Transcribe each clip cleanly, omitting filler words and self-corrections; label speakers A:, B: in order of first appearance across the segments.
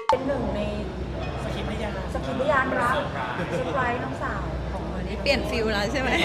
A: เป็นหนึ่งในสกิปพยานรักเซอร์ไพรส์น้องสาวของวันนี้
B: เปลี่ยนฟิลแล้วใช่ไหม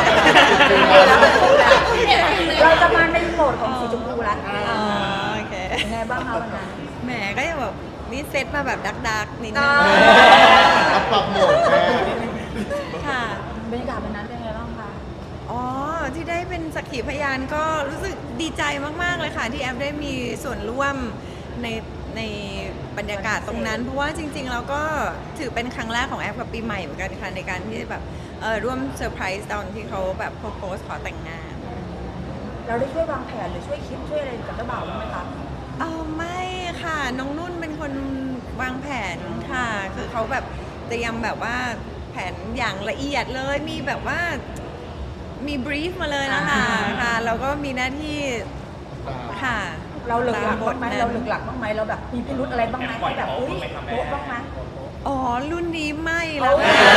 A: เราจะมาในโหมดของสีชมพูแล้ว
B: โอเค
A: ยังไงบ้างคะวันนั้น
B: แหมก็ยังแบบนี่เซตมาแบบดักนิดนึง
C: ปรับโหมดแม่
B: ค่ะ
A: บรรยากาศวันนั้นเป็นไงบ้างคะ
B: อ๋อที่ได้เป็นสักขีพยานก็รู้สึกดีใจมากๆเลยค่ะที่แอฟได้มีส่วนร่วมในบรรยากาศตรงนั้นเพราะว่าจริงๆเราก็ถือเป็นครั้งแรกของแอฟกับปีใหม่เหมือนกันค่ะในการที่แบบร่วมเซอร์ไพรส์ตอนที่เขาแบบโพสขอแต่งงาน
A: เราได้ช่วยวางแผนหรือช่วยคิดช่วยอะไรกับเจ้าบ่าวบ้างไหมคะ
B: ไม่ค่ะน้องนุ่นเป็นคนวางแผนค่ะคือเขาแบบเตรียมแบบว่าแผนอย่างละเอียดเลยมีแบบว่ามีบรีฟมาเลยนะคะค่ะเราก็มีหน้าที่ค่ะ
A: เราหลึกหลักบ้างไหมเราหลึกหลักบ้างไหมเราแบบมีพิรุธอะไรบ้างไหมแบบอุ้ยโป๊ะบ้างไหม
B: อ๋อรุ่นนี้ไม่แล้ว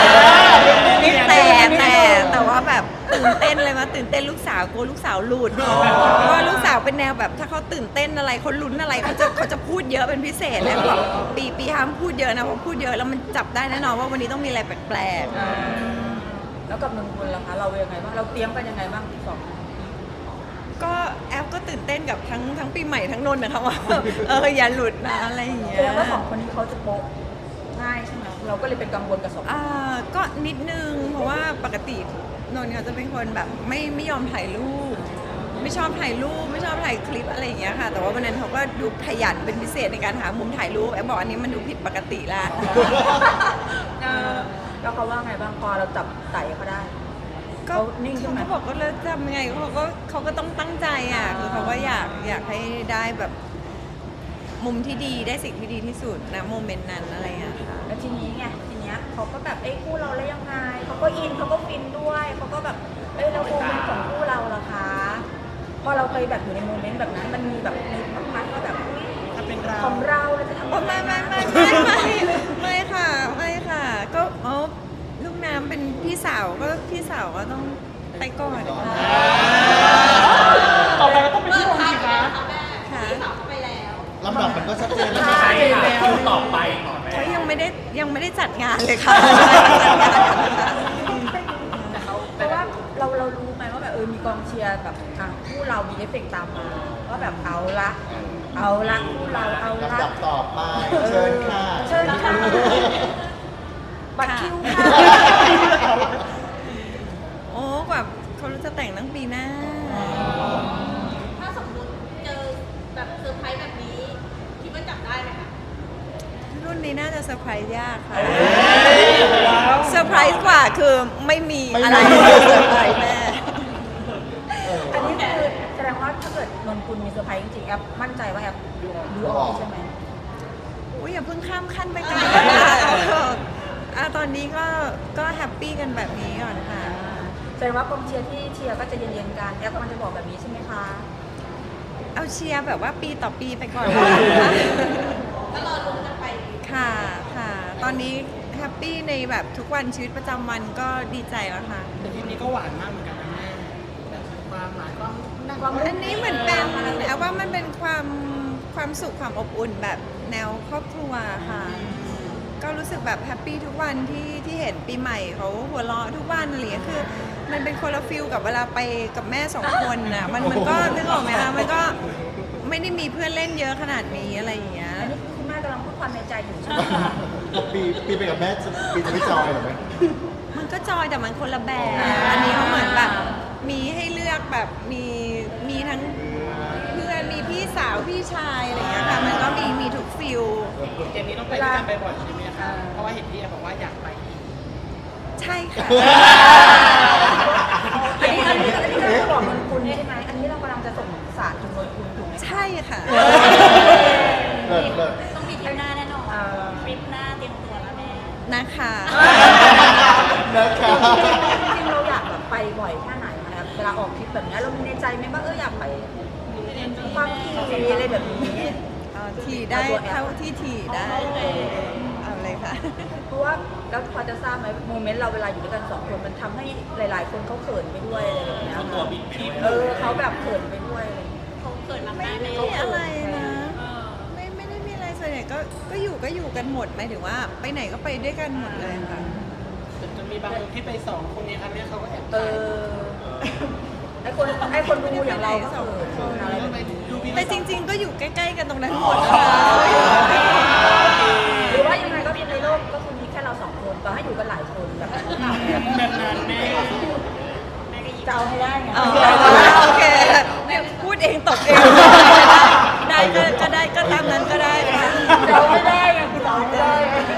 B: แต่ว่าแบบตื่นเต้นเลยมาตื่นเต้นลูกสาวกลัวลูกสาวหลุดเพราะว่าลูกสาวเป็นแนวแบบถ้าเขาตื่นเต้นอะไรเขาลุ้นอะไรเขาจะพูดเยอะเป็นพิเศษเลยบอกปีห้ามพูดเยอะนะเพราะพูดเยอะแล้วมันจับได้แน่นอนว่าวันนี้ต้องมีอะไรแปลก
A: ๆแล้วกับนนกุลล่ะคะเรายังไงบ้างเราเตรียมกันยังไงบ้างสอง
B: ก็แอฟก็ตื่นเต้นกับทั้งปีใหม่ทั้งนนท์นะคะว่าอย่าหลุดนะอะไรอย่างเงี้ย
A: แสดงว่าสองคนนี้เขาจะโป๊ะง่ายใช่ไหมเราก็เลยเป็นกังวลกับสอง
B: ก็นิดนึงเพราะว่าปกตินนท์เขาจะเป็นคนแบบไม่ยอมถ่ายรูปไม่ชอบถ่ายรูปไม่ชอบถ่ายคลิปอะไรอย่างเงี้ยค่ะแต่ว่าวันนั้นเขาก็ดูขยันเป็นพิเศษในการหามุมถ่ายรูปแอบบอกอันนี้มันดูผิดปกติแล้ว
A: แล้วเขาว่าไงบ้างพอเราจับไต่เขาได้
B: ก็นิ่งเขาก็บอกก็เลยทำยังไงเขาก็ต้องตั้งใจอ่ะคือเขาก็อยากให้ได้แบบมุมที่ดีได้สิ่งที่ดีที่สุดนะโมเมนต์นั้นอะไรอย่างเงี้ยค่ะ
A: แล้วทีนี้เขาก็แบบคู่เราแล้วยังไงเขาก็อินเขาก็ฟินด้วยเขาก็แบบเราโมเมนต์ของคู่เราล่ะคะพอเราเคยแบบอยู่ในโมเมนต์แบบนั้นมันมีแบบในความพัดว่าแบบของเราจะทำ
B: ไม่ค่ะก็ลูกน้ำเป็นพี่สาวก็ต้องไปก่อน
D: ต่อไปก็ต้องเป็นพี่นนท์สิคะ
B: ค่ะ
C: ลำดับมันก็ชัดเจนแล้ว
D: ใช่ค่ะต่อไป
B: เขายังไม่ได้จัดงานเลยค่ะ
A: เพราะว่าเรารู้ไหมว่าแบบมีกองเชียร์แบบคู่เรามีเอฟเฟกต์ตามมาว่าแบบเอาละคู่เราเอาละ
C: ลำดับต่อไปเชิญค่ะ
A: บัตรคิวค่ะ
B: โอ้กว่าเขาจะแต่งตั้งปีหน้า
E: ถ้าสมมติเจอแบบเซอร์ไพรส์แบบนี้คิดว่าจับได้ไหมคะ
B: รุ่นนี้น่าจะเซอร์ไพรส์ยากค่ะเซอร์ไพรส์กว่าคือไม่มีอะไรเซอร์ไพรส์แม่
A: อันนี้คือแสดงว่าถ้าเกิดนนกุลมีเซอร์ไพรส์จริงๆแอปมั่นใจว่าแอปดูออกใช่ไหม
B: อุ้ยอย่าเพิ่งข้ามขั้นไปกันตอนนี้ก็แฮปปี้กันแบบนี้ก่อนค่ะ
A: แสดงว่ากองเชียร์ที่เชียร์ก็จะเย็นๆกันแอปมันจะบอกแบบนี้ใช่ไหมคะ
B: เอาเชียร์แบบว่าปีต่อปีไปก่อน
E: ก็รอลุ้นกันไป
B: ค่ะตอนนี้แฮปปี้ในแบบทุกวันชีวิตประจำวันก็ดีใจแล้วค่ะ
D: แต่ทีนี้ก็หวานมากเหมือนกันนะแม่แบบความหมายความ
B: อันนี้เหมือนเป็นแอว่ามันเป็นความสุขความอบอุ่นแบบแนวครอบครัวค่ะก็รู้สึกแบบแฮปปี้ทุกวันที่เห็นปีใหม่เขาหัวเราะทุกวันอะไรอย่างเงี้ยคือมันเป็นคนละฟิลกับเวลาไปกับแม่สองคนน่ะมันก็นึกออกไหมคะมันก็ไม่ได้มีเพื่อนเล่นเยอะขนาดนี้อะไรอย่างเงี้ย
A: อันนี้คุณแม่กำลังพูดความในใจอยู่ใช่ไหมคะ
C: ปีไปกับแม่ปีจะไม่จอยหรอไหม
B: มันก็จอยแต่มันคนละแบบอันนี้เขาเหมือนแบบมีให้เลือกแบบมีทั้งเพื่อนมีพี่สาวพี่ชายอะไรอย่างเงี้ยค่ะมันก็มีทุกฟิล
D: เกมนี้ต้องไปด้วยกันบ่อยๆใช่ไหมคะเพราะว่าเห็นพี่บอกว่าอยากไป
B: ใช่ค่ะ
A: อันนี้เราบอกนนกุลใช่ไหมอันนี้เรากำลังจะส่งสารถึงนนกุลถูกไหม
B: ใช่ค่ะ
E: ต้องมีทริปหน้าแน่นอนทริปหน้าเตรียมตัวแล้วแม่
B: นะคะ
A: จริงๆเราอยากแบบไปบ่อยแค่ไหนคะเวลาออกทริปแบบนี้เรามีในใจไหมว่าอยากไปความถี่อะไรแบบนี้
B: ถี่ได้เท่าที่ถี่ได้เอาเลยค่ะ
A: เพราะว่าแล้วพอจะทราบไหมโมเมนต์เราเวลาอยู่ด้วยกันสองคนมันทำให้หลายๆคนเขาเขินไปด้วยอะไรแบบนี้
D: ตัวบิดไป
A: เขาแบบเขินไปด้วย
E: เขาเขินมาก
B: ไม่ได้มีอะไรนะไม่ได้มีอะไรส่วนใหญ่ก็อยู่กันหมดหมายถึงว่าไปไหนก็ไปด้วยกันหมดเลยค่ะ
D: จะมีบางคนที่ไปสองคนนี้อันนี้เขาก็แอบ
A: เออไอคนดูอย่างเราก็คืออะไรแบบนี้
B: แต่จริง ๆ ก็อยู่ใกล้ๆกันตรงนั้นหมดนะคะ
A: หรือว่ายังไงก็ในโลกก็คือมีแค่เราสองคนต่อให้อยู่กันหลายคนแบบนั้น
D: แบบนั้นแม่
A: จะเอาให้ได้ไง
B: อ๋อโอเคพูดเองตกเอง